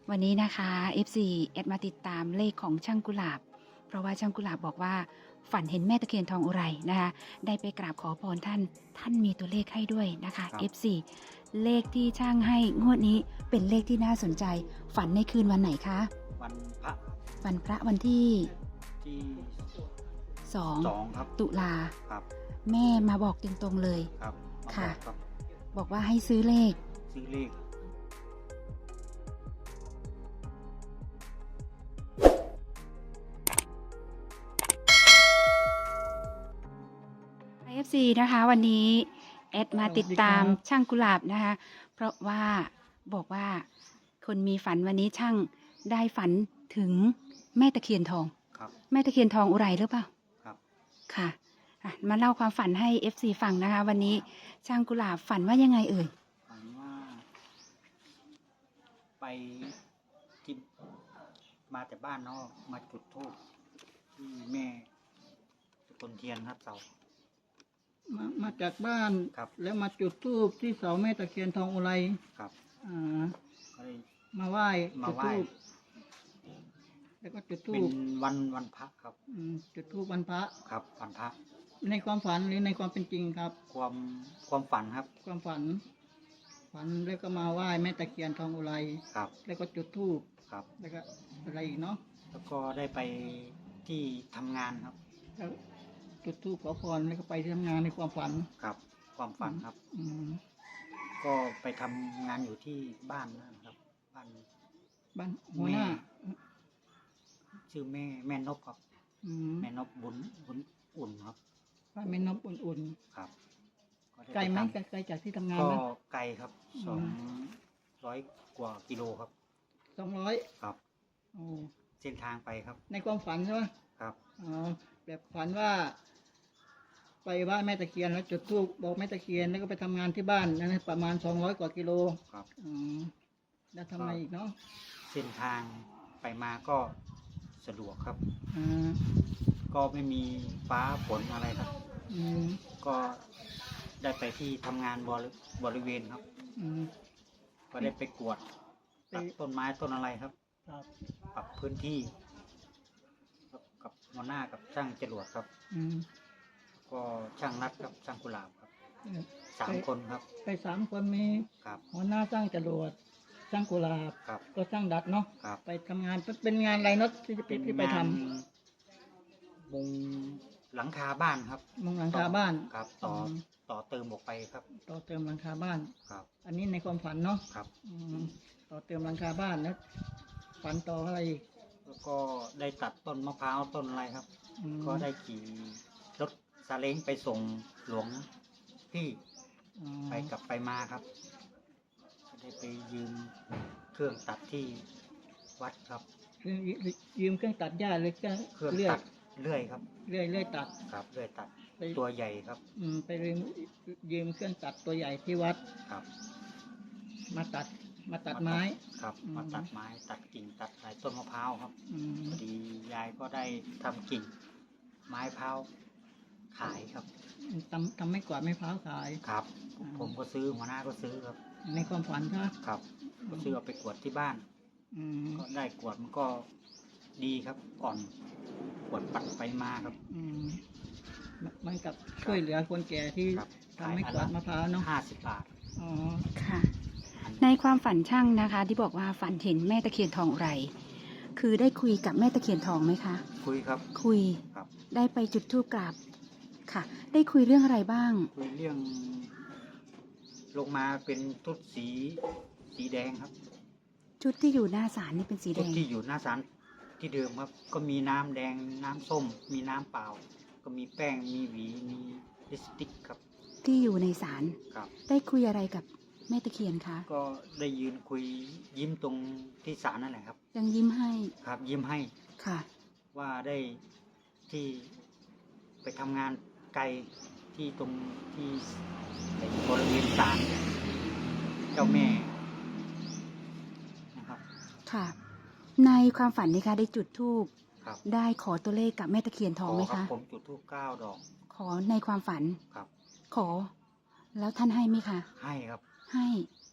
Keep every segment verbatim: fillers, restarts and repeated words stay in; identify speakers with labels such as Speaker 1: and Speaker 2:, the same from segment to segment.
Speaker 1: วันนี้นะคะ เอฟ ซี แอดมาติดตามเลขของช่างกุหลาบเพราะว่าช่างกุหลาบบอกว่าฝันเห็นแม่ตะเคียนทองอุไรนะคะได้ไปกราบขอพรท่านท่านมีตัวเลขให้ด้วยนะคะ เอฟ ซี เลขที่ช่างให้งวดนี้เป็นเลขที่น่าสนใจฝันในคืนวันไหนคะ
Speaker 2: วันพระ
Speaker 1: วันพระวันที่
Speaker 2: ที่
Speaker 1: สอง
Speaker 2: สองครับ
Speaker 1: ตุลา
Speaker 2: ครับ
Speaker 1: แม่มาบอกตรงๆเลย
Speaker 2: ครับ
Speaker 1: ค่ะ
Speaker 2: บอกครับ
Speaker 1: บอกว่าให้ซื้อเลข
Speaker 2: ซื้อเลข
Speaker 1: เอฟ ซี นะคะวันนี้แอดมาติดตามช่างกุหลาบนะคะเพราะว่าบอกว่าคนมีฝันวันนี้ช่างได้ฝันถึงแม่ตะเคียนทอง
Speaker 2: ครับ
Speaker 1: แม่ตะเคียนทองอุไรหรือเปล่า
Speaker 2: ครับ
Speaker 1: ค่ะมาเล่าความฝันให้ เอฟ ซี ฟังนะคะวันนี้ช่างกุหลาบฝันว่ายังไงเอ่ย
Speaker 2: ฝันว่าไปที่มาแต่บ้านนอกมาจุดธูปที่แม่ต้นเทียนครับเสา
Speaker 3: มามาจากบ้าน
Speaker 2: ครับ
Speaker 3: แล้วมาจุดธูปที่เสาแม่ตะเคียนทองอุไร
Speaker 2: ครับ
Speaker 3: อ่า
Speaker 2: ก็เลย
Speaker 3: มาไหว้
Speaker 2: มาไหว้
Speaker 3: จุดธูปแล้วก็จุดธู
Speaker 2: เป็น
Speaker 3: ป
Speaker 2: วันวันพระครับ
Speaker 3: อืมจุดธูปวันพระ
Speaker 2: ครับวันพระ
Speaker 3: ในความฝันหรือในความเป็นจริงครับ
Speaker 2: ความความฝันครับ
Speaker 3: ความฝัน ฝันแล้วก็มาไหว้แม่ตะเคียนทองอุไร
Speaker 2: ครับ
Speaker 3: แล้วก็จุดธูป
Speaker 2: ครับ
Speaker 3: แล้วก็อะไรอีกเนาะ
Speaker 2: แล้วก็ได้ไปที่ทำงานครับ
Speaker 3: แล้วจุดธูปขอพรแล้วก็ไปที่ทำงานในความฝัน
Speaker 2: ครับความฝันครับ
Speaker 3: อืม
Speaker 2: ก็ไปทำงานอยู่ที่บ้านนะครับบ้าน
Speaker 3: บ้านหัวหน้า
Speaker 2: ชื่อแม่แม่นบครับ
Speaker 3: อืม
Speaker 2: แม่นบบุญบุญอุ่นครับ
Speaker 3: บ้านแม่นบอุ่น
Speaker 2: ครับ
Speaker 3: ๆไกลไหมไกลจากที่ทำงาน
Speaker 2: ก็
Speaker 3: ไหม
Speaker 2: ไกลครับสองร้อยกว่ากิโลครับ
Speaker 3: สองร้อย
Speaker 2: ครับ
Speaker 3: โอ้
Speaker 2: เส้นทางไปครับ
Speaker 3: ในความฝันใช่ไหม
Speaker 2: ครับ
Speaker 3: อ๋อแบบฝันว่า ไปบ้านแม่ตะเคียนแล้วจุดธูปบอกแม่ตะเคียนแล้วก็ไปทำงานที่บ้านนั่นประมาณสองร้อยกว่ากิโล
Speaker 2: ครับ
Speaker 3: อืมแล้วทำไมอีกเนาะ
Speaker 2: เส้นทางไปมาก็สะดวกครับ
Speaker 3: อ่า
Speaker 2: ก็ไม่มีฟ้าฝนอะไรครับ
Speaker 3: อืม
Speaker 2: ก็ได้ไปที่ทำงานบริบริเวณครับ
Speaker 3: อืม
Speaker 2: ก็ได้ไปกวดตัดต้นไม้ต้นอะไรครับ
Speaker 3: ครับ
Speaker 2: ปรับพื้นที่กับหัวหน้ากับช่างจรวดครับ
Speaker 3: อืม
Speaker 2: ก็ช่างนัดกับช่างกุหลาบครับสาม
Speaker 3: ไป
Speaker 2: คนครับ
Speaker 3: ไปสามคนมี
Speaker 2: ครับ
Speaker 3: หัวหน้าสร้างจรวดสร้างกุหลาบ
Speaker 2: ครับ
Speaker 3: ก็สร้างดัดเนาะ
Speaker 2: ครับ
Speaker 3: ไปทำงานเป็นงานอะไรเนาะที่จะที่ไปท
Speaker 2: ำมุงหลังคาบ้านครับ
Speaker 3: มุงหลังคาบ้าน
Speaker 2: ครับต่อต่อเติมออกไปครับ
Speaker 3: ต่อเติมหลังคาบ้าน
Speaker 2: ครับ
Speaker 3: อันนี้ในความฝันเนาะ
Speaker 2: ครับ
Speaker 3: อืมต่อเติมหลังคาบ้านแล้วฝันต่ออะไรอีก
Speaker 2: แล้วก็ได้ตัดต้นมะพร้าวต้นอะไรครับก็ได้ขี่รถซาเล้งไปส่งหลวงพี่ไปกลับไปมาครับได้ไปยืมเครื่องตัดที่วัดครับ
Speaker 3: ยืมเครื่องตัดหญ้าหรือเครื่อง
Speaker 2: เครื่องตัดเลื่อยครับ
Speaker 3: เลื่อยเลื่อยตัด
Speaker 2: ครับเลื่อยตัดตัวใหญ่ครับ
Speaker 3: อืมไปยืมยืมเครื่องตัดตัวใหญ่ที่วัด
Speaker 2: ครับ
Speaker 3: มาตัดมาตัดไม้
Speaker 2: ครับมาตัดไม้ตัดกิ่งตัดสายต้นมะพร้าวครับพอดียายก็ได้ทำกิ่งไม้พร้าวขายครับ
Speaker 3: ทำทำไม่กวาดไม้พร้าวขาย
Speaker 2: ครับผมก็ซื้อหัวหน้าก็ซื้อครับ
Speaker 3: ในความฝันใช่ไหม
Speaker 2: ครับก็ซื้อเอาไปกวดที่บ้านก็ได้กวดมันก็ดีครับอ่อนกวดปัดไปมาครับ
Speaker 3: มันกับช่วยเหลือคนแก่ที่ทำไม่กวาดมะพร้าวเนาะ
Speaker 2: ห้าสิบบาท
Speaker 3: อ๋อ
Speaker 1: ค่ะในความฝันช่างนะคะที่บอกว่าฝันเห็นแม่ตะเคียนทองไรคือได้คุยกับแม่ตะเคียนทองไหมคะ
Speaker 2: คุยครับ
Speaker 1: คุย
Speaker 2: ครับ
Speaker 1: ได้ไปจุดธูปกราบค่ะได้คุยเรื่องอะไรบ้าง
Speaker 2: คุยเรื่องลงมาเป็นชุดสีสีแดงครับ
Speaker 1: ชุดที่อยู่หน้าศาลนี่เป็นสีแดง
Speaker 2: ชุดที่อยู่หน้าศาลที่เดิมครับก็มีน้ำแดงน้ำส้มมีน้ำเปล่าก็มีแป้งมีหวีมีลิปสติกครับ
Speaker 1: ที่อยู่ในศาล
Speaker 2: ครับได้
Speaker 1: คุยอะไรกับแม่ตะเคียนคะ
Speaker 2: ก็ได้ยืนคุยยิ้มตรงที่ศาลนั่นแหละครับ
Speaker 1: ยังยิ้มให้
Speaker 2: ครับยิ้มให้
Speaker 1: ค่ะ
Speaker 2: ว่าได้ที่ไปทำงานไกลที่ตรงที่บริเวณศาลเจ้าแม่นะครับ
Speaker 1: ค่ะในความฝันนี่คะได้จุดธูปได้ขอตัวเลขกับแม่ตะเคียนทองไหมคะ
Speaker 2: ผมจุดธูปเก้าดอก
Speaker 1: ขอในความฝัน
Speaker 2: ครับ
Speaker 1: ขอแล้วท่านให้ไหมคะ
Speaker 2: ให้ครับ
Speaker 1: ให้
Speaker 2: ครับ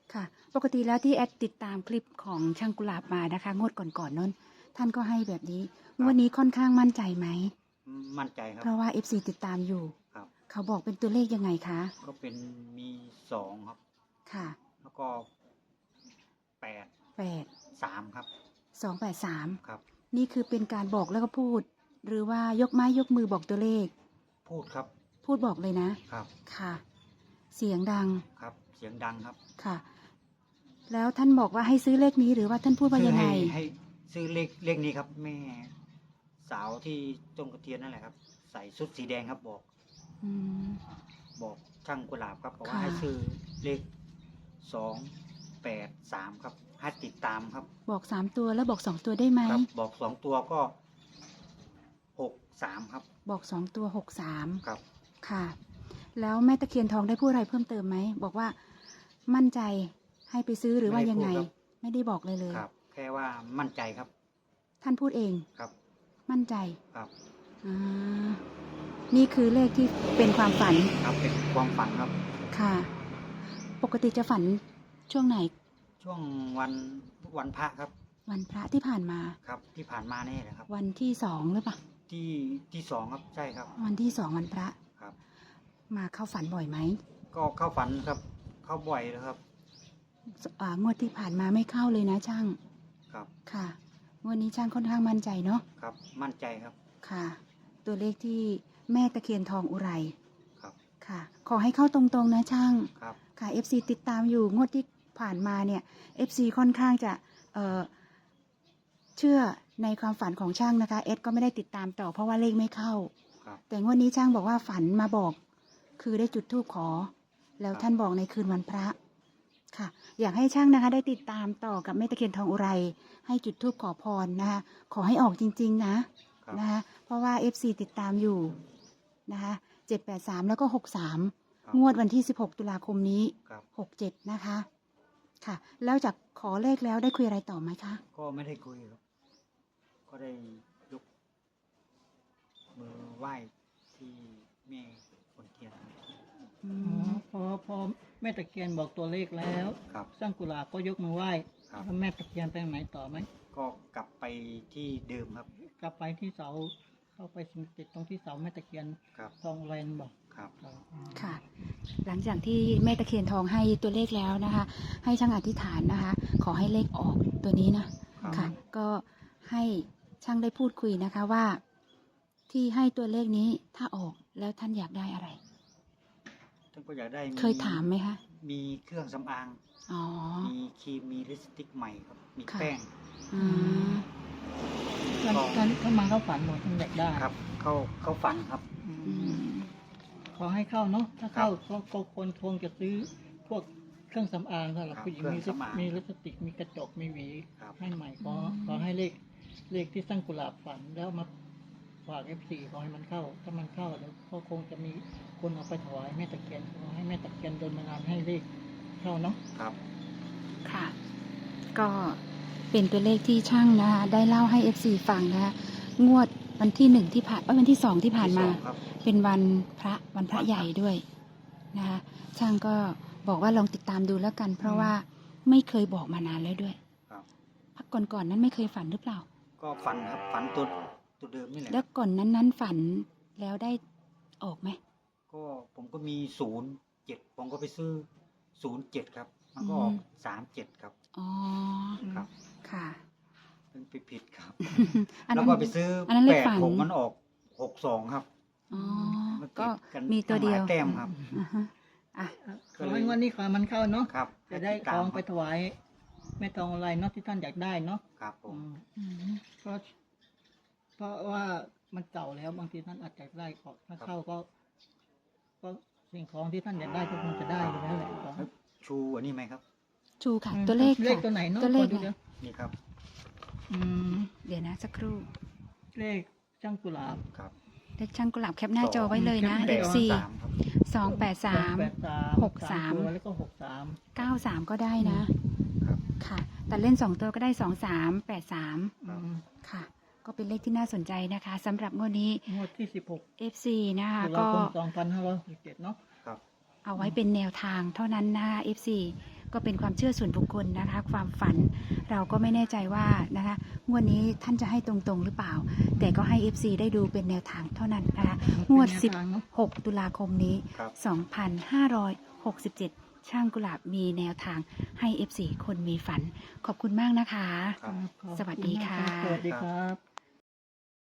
Speaker 1: ค่ะ ปกติแล้วที่แอดติดตามคลิปของช่างกุหลาบมานะคะ งวดก่อนๆนั้น ท่านก็ให้แบบนี้ งวดนี้ค่อนข้างมั่นใจไหม
Speaker 2: มั่นใจครับ
Speaker 1: เพราะว่า เอฟ ซี ติดตามอยู่
Speaker 2: ครับ
Speaker 1: เขาบอกเป็นตัวเลขยังไงคะ
Speaker 2: ก็เป็นมีสองครับ
Speaker 1: ค่ะ
Speaker 2: แล้วก็แปด
Speaker 1: แปด
Speaker 2: สามครับ
Speaker 1: สองแปดสาม
Speaker 2: ครับ
Speaker 1: นี่คือเป็นการบอกแล้วก็พูด หรือว่ายกไม้ยกมือบอกตัวเลข
Speaker 2: พูดครับ
Speaker 1: พูดบอกเลยนะ
Speaker 2: ครับ
Speaker 1: ค่ะ เสียงดัง
Speaker 2: ครับ เสียงดังครับ
Speaker 1: ค่ะ แล้วท่านบอกว่าให้ซื้อเลขนี้หรือว่าท่านพูดว่ายังไง
Speaker 2: ให้ให้ซื้อเลขเลขนี้ครับ แม่สาวที่ต้นกระเทียนนั่นแหละครับ ใส่ชุดสีแดงครับบอก
Speaker 1: อืม
Speaker 2: บอกช่างกุหลาบครับบอกว่า
Speaker 1: ค่ะ
Speaker 2: ให้ซื้อเลขสองแปดสามครับให้ติดตามครับ
Speaker 1: บอกสามตัวแล้วบอกสองตัวได้ไหม
Speaker 2: ครับ บอกสองตัวก็หกสามครับ
Speaker 1: บอกสองตัวหกสาม
Speaker 2: ครับ
Speaker 1: ค่ะ แล้วแม่ตะเคียนทองได้พูดอะไรเพิ่มเติมไหม บอกว่ามั่นใจให้ไปซื้อหรือว่ายังไง ไม่ได้บอกเลยเลย
Speaker 2: ครับ แค่ว่ามั่นใจครับ
Speaker 1: ท่านพูดเอง
Speaker 2: ครับ
Speaker 1: มั่นใจ
Speaker 2: ครับ
Speaker 1: อ่านี่คือเลขที่เป็นความฝัน
Speaker 2: ครับเป็นความฝันครับ
Speaker 1: ค่ะ ปกติจะฝันช่วงไหน
Speaker 2: ช่วงวันวันพระครับ
Speaker 1: วันพระที่ผ่านมา
Speaker 2: ครับ ที่ผ่านมานี่แหละครับ
Speaker 1: วันที่สองหรือเปล่า
Speaker 2: ที่ที่สองครับใช่ครับ
Speaker 1: วันที่สองวันพระ
Speaker 2: ครับ
Speaker 1: มาเข้าฝันบ่อยไหม
Speaker 2: ก็เข้าฝันครับ เข้าบ่อยแล้วครับ
Speaker 1: อ่างวดที่ผ่านมาไม่เข้าเลยนะช่าง
Speaker 2: ครับ
Speaker 1: ค่ะงวดนี้ช่างค่อนข้างมั่นใจเนาะ
Speaker 2: ครับ มั่นใจครับ
Speaker 1: ค่ะ ตัวเลขที่แม่ตะเคียนทองอุไร
Speaker 2: ครับ
Speaker 1: ค่ะ ขอให้เข้าตรงๆนะช่าง
Speaker 2: ครับ
Speaker 1: ค่ะ เอฟ ซี ติดตามอยู่งวดที่ผ่านมาเนี่ย เอฟ ซี ค่อนข้างจะเอ่อเชื่อในความฝันของช่างนะคะเอสก็ไม่ได้ติดตามต่อเพราะว่าเลขไม่เข้า
Speaker 2: ครับ
Speaker 1: แต่งวดนี้ช่างบอกว่าฝันมาบอก คือได้จุดธูปขอ แล้ว
Speaker 2: ครับ
Speaker 1: ท่านบอกในคืนวันพระค่ะ อยากให้ช่างนะคะ ได้ติดตามต่อกับแม่ตะเคียนทองอุไร ให้จุดธูปขอพรนะคะ ขอให้ออกจริง ๆ นะครับ นะคะ เพราะว่า เอฟ ซี ติดตามอยู่นะคะเจ็ดแปดสามแล้วก็หกสาม
Speaker 2: ครับ
Speaker 1: งวดวันที่สิบหกตุลาคมนี้
Speaker 2: ครับ
Speaker 1: หกเจ็ดนะคะ ค่ะ แล้วจากขอเลขแล้วได้คุยอะไรต่อไหมคะ
Speaker 2: ก็ไม่ได้คุยครับ ก็ได้ยกมือไหว้ที่แม่คนเทียนครับ
Speaker 1: อื
Speaker 3: อ๋อ
Speaker 1: ม
Speaker 3: พอพอแม่ตะเคียนบอกตัวเลขแล้ว
Speaker 2: ครับ
Speaker 3: สร้างกุหลาบก็ยกมือไหว้
Speaker 2: ครับ
Speaker 3: แล้วแม่ตะเคียนไปไหนต่อไหม
Speaker 2: ก็กลับไปที่เดิมครับ
Speaker 3: กลับไปที่เสาเข้าไปสิงติดตรงที่เสาแม่ตะเคียน
Speaker 2: ครับ
Speaker 3: ทองแรนบอก
Speaker 2: ครับ
Speaker 1: ค่ะ หลังจากที่แม่ตะเคียนทองให้ตัวเลขแล้วนะคะ ให้ช่างอธิษฐานนะคะ ขอให้เลขออกตัวนี้นะ
Speaker 2: ครับ
Speaker 1: ค่ะ ก็ให้ช่างได้พูดคุยนะคะว่า ที่ให้ตัวเลขนี้ถ้าออกแล้วท่านอยากได้อะไร
Speaker 2: ท่านก็อยากได้
Speaker 1: เคยถามไหมคะ
Speaker 2: มีเครื่องสำอาง
Speaker 1: อ๋อ
Speaker 2: มีครีม มีลิปสติกใหม่ครับ มี
Speaker 1: ค่ะ
Speaker 2: แป้ง
Speaker 1: อืม
Speaker 3: ท่านท่านเข้ามาเข้าฝันบอกท่านอยากได้
Speaker 2: ครับ เข้าเข้าฝันครับ
Speaker 3: อืม
Speaker 1: อืม
Speaker 3: ขอให้เข้าเนาะถ้าเข้าก็ก็คนคงจะซื้อพวกเครื่องสำอางสำหรับ
Speaker 2: ครับ
Speaker 3: ผู้หญิง
Speaker 2: เครื่
Speaker 3: มี
Speaker 2: องสำอาง
Speaker 3: มีลิปสติกมีกระจกมีหวี
Speaker 2: ครับ
Speaker 3: ให้ใหม่ขอขอให้เลขเลขที่สร้างกุหลาบฝันแล้วมาฝากเอฟซีขอให้มันเข้า ถ้ามันเข้าเดี๋ยวก็คงจะมีคนเอาไปถวายแม่ตะเคียนขอให้แม่ตะเคียนโดนบันดาลให้เลขเข้าเนาะ
Speaker 2: ครับ
Speaker 1: ค่ะ ก็เป็นตัวเลขที่ช่างนะคะได้เล่าให้ เอฟ ซี ฟังนะคะงวดวันที่หนึ่งที่ผ่านเอ้ยวันที่สองที่ผ่านมา
Speaker 2: ที่สองครับ
Speaker 1: เป็นวันพระวันพระใหญ่ด้วยนะคะช่างก็บอกว่าลองติดตามดูแล้วกัน เพราะว่าไม่เคยบอกมานานแล้วด้วย
Speaker 2: ครับ
Speaker 1: พักก่อนๆนั้นไม่เคยฝันหรือเปล่า
Speaker 2: ก็ฝันครับ ฝันตัวตัวเดิมนี่แหละ
Speaker 1: แล้วก่อนนั้นนั้นฝันแล้วได้ออกไหม
Speaker 2: ก็ผมก็มีศูนย์เจ็ดผมก็ไปซื้อศูนย์เจ็ดครับ มันก็ออกสามเจ็ดครับ
Speaker 1: อ๋อ
Speaker 2: ครับ
Speaker 1: ค่ะ
Speaker 2: เป็นไปผิดครับ
Speaker 1: อัน
Speaker 2: แล้ว
Speaker 1: นั้น
Speaker 2: ก็ไปซื้ออน
Speaker 1: นั้นเล
Speaker 2: แป
Speaker 1: ข
Speaker 2: ด
Speaker 1: ฝัน
Speaker 2: ผมมันออกหกสองครับ
Speaker 1: อ๋อ
Speaker 2: มัน
Speaker 1: ก็
Speaker 2: ติดกัน
Speaker 1: มีตัวเดียว
Speaker 2: หลาแต้มครับ
Speaker 1: อ่าฮะอ่ะ
Speaker 3: ขอให้งวันนี้ขอให้มันเข้าเนาะ
Speaker 2: ครับ
Speaker 3: จะได้
Speaker 2: ให้ติ
Speaker 3: ข
Speaker 2: ตา
Speaker 3: อ
Speaker 2: ม
Speaker 3: งไปถวายแม่ทองอะไรเนาะที่ท่านอยากได้เนาะ
Speaker 2: ครับผม
Speaker 3: อืม
Speaker 1: อืม
Speaker 3: เพราะเพราะว่ามันเก่าแล้วบางทีท่านอาจจะได้ของถ้าเข้าก็ ก็สิ่งของที่ท่านอยากได้ก็คงจะได้อยู่แล้วแหละของ
Speaker 2: แล้วชูอันนี้ไหมครับ
Speaker 1: ชูค่ะ ตัวเลข
Speaker 3: เลข
Speaker 1: ค่ะ
Speaker 3: ตัวไหนเนาะ
Speaker 1: ตัวเลข
Speaker 3: ขอดู
Speaker 1: ไง
Speaker 3: เดี๋ยว
Speaker 2: นี่ครับ
Speaker 3: อืม
Speaker 1: เดี๋ยวนะสักครู่
Speaker 3: เลขช่างกุหลาบ
Speaker 2: ครับ
Speaker 1: เลขช่างกุหลาบแคปหน้าจอไว้เลยนะ
Speaker 3: แคปหน้าจอ
Speaker 1: เอฟ ซี
Speaker 2: สามครับ
Speaker 1: สองแปดสาม
Speaker 3: แปดสาม
Speaker 1: หกสาม
Speaker 3: ตัวแล้วก็หกสาม
Speaker 1: เก้าสามก็ได้นะ
Speaker 2: ครับ
Speaker 1: ค่ะ แต่เล่นสองตัวก็ได้สองสามแปดสาม
Speaker 3: อืม
Speaker 1: ค่ะ ก็เป็นเลขที่น่าสนใจนะคะสำหรับงวดนี้
Speaker 3: งวดที่สิบหก
Speaker 1: เอฟ ซี นะคะ
Speaker 3: ตุลา
Speaker 1: ก็
Speaker 3: คมสองพันห้าร้อยหกสิบเจ็ดเนาะ
Speaker 2: ครับ
Speaker 1: เอาไว้เป็นแนวทางเท่านั้นนะคะ เอฟ ซีก็เป็นความเชื่อส่วนบุคคลนะคะ ความฝันเราก็ไม่แน่ใจว่านะคะงวดนี้ท่านจะให้ตรงๆหรือเปล่า แต่ก็ให้ เอฟ ซี ได้ดูเป็นแนวทางเท่านั้นนะคะงวดสิบหกตุลาคมนี้
Speaker 2: ครับ
Speaker 1: สองพันห้าร้อยหกสิบเจ็ด ช่างกุหลาบมีแนวทางให้ เอฟ ซี คนมีฝันขอบคุณมากนะคะ
Speaker 2: ครับ
Speaker 3: ครับ
Speaker 1: สวัสดีค่ะ
Speaker 3: สวัสดีครับ